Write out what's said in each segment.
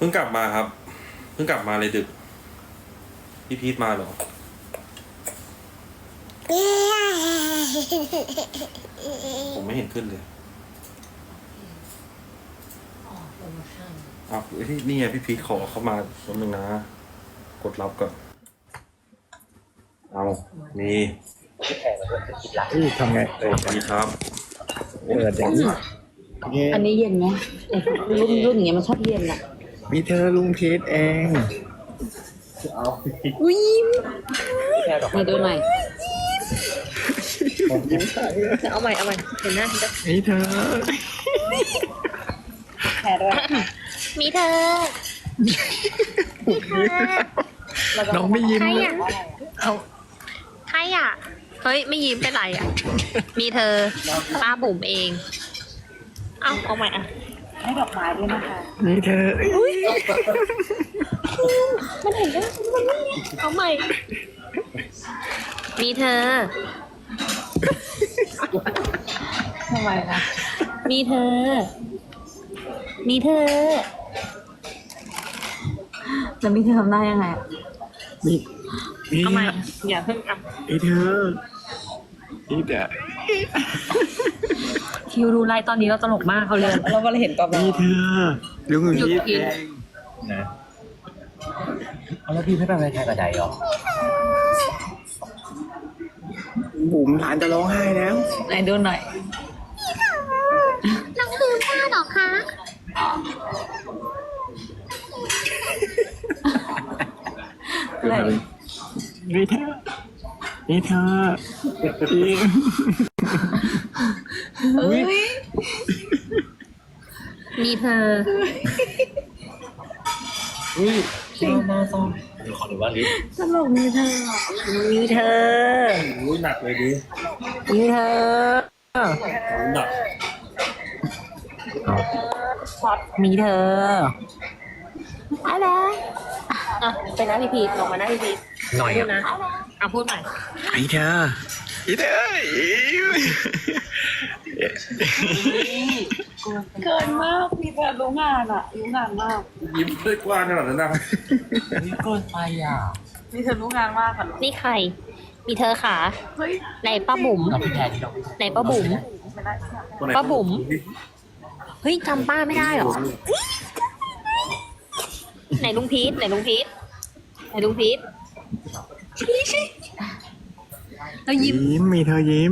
พิ่งกลับมาครับเพิ่งกลับมาเลยดึกพี่พีทมาเหรอผมไม่เห็นขึ้นเลยอ้าวนี่ไงพี่พีทขอเข้ามาแป๊บนึงนะกดรับก่อนเอานี่ทำไงสวัสดีครับเปิดอย่างนี้อันนี้เย็นไหมรุ่นอย่างเงี้ยมันชอบเย็นอ่ะมีเธอลุงพีทเองอุ้ยมาดูหน่อยเอาใหม่เห็นหน้าจะมีเธอแพ้ด้วยมีเธอน้องไม่ยิ้มใครเลยอ่ะเอาใครอ่ะเฮ้ยไม่ยิ้มเป็นไรอ่ะมีเธอป้าบุ๋มเองเอาใหม่อ่ะให้ดอกไม้ด้วยนะคะมีเธอมันเห็นได้มันไม่เอาใหม่มีเธอทำไมล่ะมีเธอแล้วมีเธอทำได้ยังไงมีเอาใหม่อย่าเพิ่งอ่ะมีเธอมีแต่คิวดูไลน์ตอนนี้เราตลกมากเขาเลยเราก็เลยเห็นกับเรามีเธอลุงหยุดพีทกินเองนะเอาแล้วพี่ไม่ไปไว้ใครกระไดหรอบุ๋มหลานจะร้องไห้แล้วไหนดูหน่อยน้องลืมผ้าหรอคะอะไรมีเธอมีเธอจริงมีเธออุ้ยหน้าซ่อมเดี๋ยวขอดูว่าลิฟต์ตลกมีเธอมีเธออุ้ยหนักเลยดิมีเธอหนักมีเธออะไรอ่ะไปนั่งที่พีทลงมานั่งที่พีทหน่อยพูอ่ะดนะเอาพูดใหม่มีเธอมีเธอเกินมากมีเธอรู้งานอ่ะรู้งานมากยิ้มด้วยกว้างขนาดนั้นนะนี่เกินไปอ่ะมีเธอรู้งานมากอ่ะนี่ใคร มีเธอขาเฮ้ยไหนป้าบุ๋มเราพี่แทนที่เราไหนป้าบุ๋มตัวไหนป้าบุ๋ม เฮ้ยจำป้าไม่ได้เหรอ ไหนลุงพีทไหนลุงพีทไหนลุงพีทแล้วยิ้มยิ้มมีเธอยิ้ม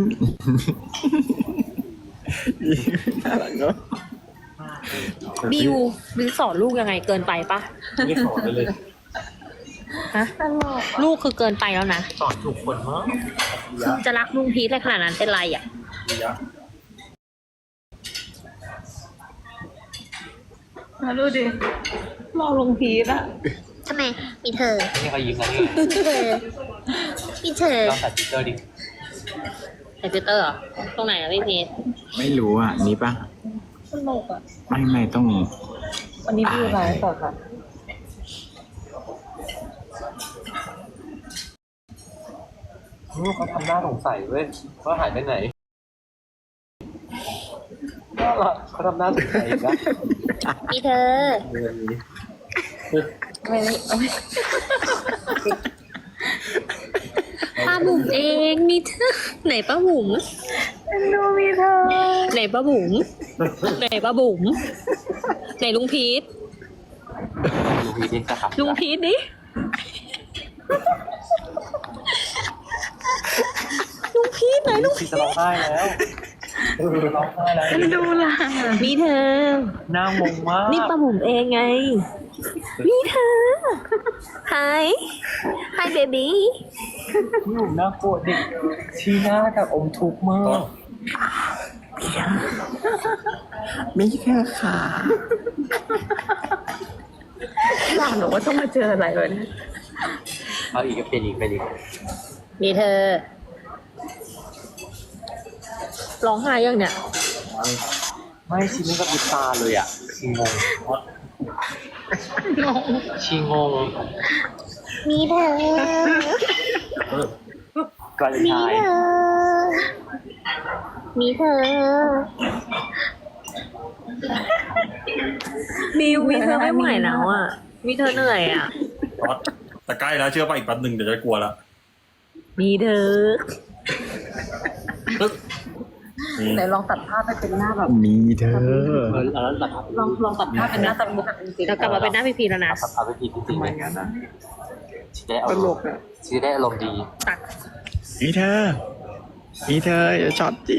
น่ารักเนาะบิวสอนลูกยังไงเกินไปปะไม่สอนเลยฮะลูกคือเกินไปแล้วนะสอนถูกคนมั้งจะรักลุงพีทอะไรขนาดนั้นเป็นไรอ่ะมาดูดิรอลงพีทอ่ะทำไม มีเธอนี่เขายิ้มแล้วนี่มีเธอ มีเธอลองใส่สติ๊กเกอร์ดิใส่ฟิลเตอร์เหรอตรงไหนอะพี่พีทไม่รู้อ่ะนี่ปะสนุกอ่ะไม่ต้องวันนี้พี่ไลฟ์สดอ่ะเขาทำหน้าสงสัยเว้ยว่าหายไปไหนก็ล่ะเขาทำหน้าสงสัยอีกนะมีเธอ ป้าบุ๋มเองมีเธอ ไหนป้าบุ๋มดูมีเธอไหนป้าบุ๋มไหนป้าบุ๋มไหนลุงพีทลูกพี่ดินจะขับลุงพีทดิลุงพีทไหนลุงพี่จะร้องไห้แล้วจะร้องไห้แล้วดูล่ะมีเธอหน้างงมากนี่ป้าบุ๋มเองไง มีเธอ Hi Hi baby พี่ผมน่ากลัวเด็กชี้หน้ากับอมทุกข์มากมีเธอขาหลานบอกว่าต้องมาเจออะไรเลยเนี่ยเอาอีกก็เป็นอีกเป็นอีกมีเธอ ร้องไห้ยังเนี่ยไม่ชีไม่กับบุตาเลยอ่ะชีงงชีงงมีเธอกลายเป็นชายมีเธอบิวมีเธอไม่ไหวแล้วอ่ะ มีเธอเหนื่อยอ่ะช็อตแต่ใกล้แล้วเชื่อป่ะอีกแป๊บหนึ่งเดี๋ยวจะกลัวละมีเธอนี่ไหนลองตัดภาพให้เป็นหน้าแบบมีเธอแล้วตัดภาพลองตัดภาพเป็นหน้าตะมุแบบจริงๆเรากลับมาเป็นหน้าพีพีแล้วนะตัดภาพไปผิดจริงทำๆไมเลยงั้นนะชีได้เอาชีได้อารมณ์ดีตัดมีเธอ มีเธออย่าช็อตจี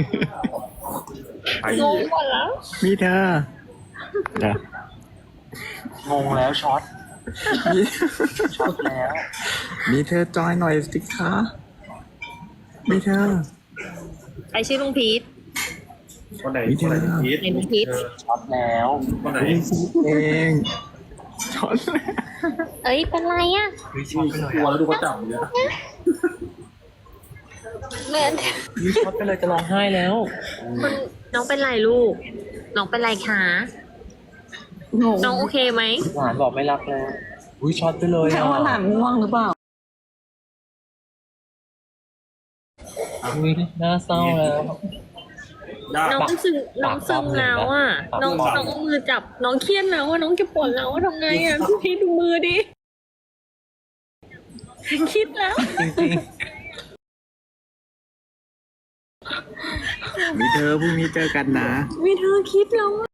ไปงงหมดแล้วมีเธอเดี๋ยวงงแล้วช็อตช็อตแล้วมีเธอจอยหน่อยสิคะมีเธอไอชื่อลุงพีทคนไหนมีเธอคนไหนพีทเห็นลุงพีทช็อตแล้วคนไหนเองช็อตเอ้ยเป็นไรอ่ะเฮ้ยช็อตไปเลยกลัวแล้วดูเขาจับเนี่ยเหมือนนี่ช็อตไปเลยจะร้องไห้แล้วคุณน้องเป็นไรลูก น้องเป็นไรคะ น้องโอเคไหมหลานบอกไม่รักแล้วอุ้ยช็อตไปเลยแค่อ่ะว่าหลานง่วงหรือเปล่าอุ้ยน่าเศร้าแล้วยากน้องปะซึมน้องซึมแล้วอ่ะ น้องเอามือจับ น้องเครียดแล้วอ่ะ น้องเก็บปวดแล้วอ่ะทำไงอ่ะพี่พีทดูมือดิคิดแล้วจริงมีเธอพรุ่งนี้เจอกันนะมีเธอคิดแล้วอะ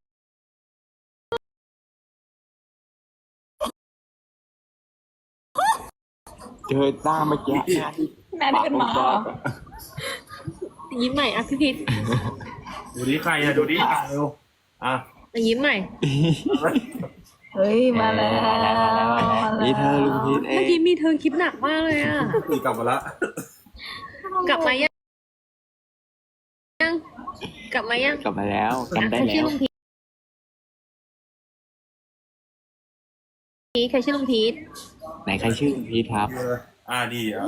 เจอต้าเมื่อกี้แม่ได้เป็นหมาเหรอยิ้มใหม่อ่ะพี่พีทดูดิใครอะดูดิอ่ะเร็วอ่ะยิ้มใหม่เฮ้ย มาแล้วมีเธอลุงพีทเอเมื่อง กี้มีเธอคิดหนักมากเลยอ่ะตีกลับมาละกลับมายังกลับมายังกลับมาแล้วกลับได้ใครชื่แล้อวลุงพีทใครชื่อลุงพีทไหนใครชื่อลุงพีทครับนี่อ่ะ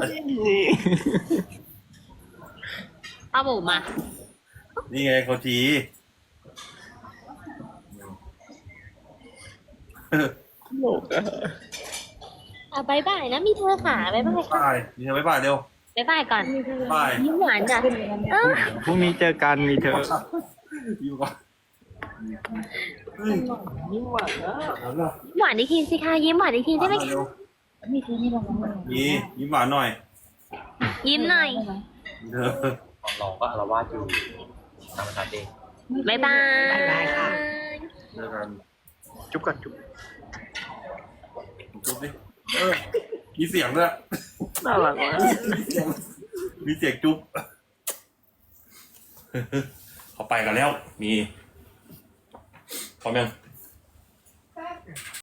ป้าบุ๋มมานี่ไงเขาทีบายบายนะมีเธอค่ะบายบายค่ะบายนี่บ๊ายบายเร็วบายบายก่อนบายยิ้มหวานจ้ะเออพรุ่งนี้เจอกันมีเธออยู่ก่อนเฮ้ยเอาละหวานอีกทีสิคะยิ้มหวานอีกทีได้ไหมเร็คะวนี่ยิ้มหวานหน่อยยิ้มหน่อยเออๆลองก็อารวาสอยู่ทำมันเองบายบายเจอกันจุ๊บก่อนจุ๊บจุ๊บดิมีเสียงด้วยน่ารักมากมีเสียงจุ๊บเขาไปกันแล้ว มีพร้อมยัง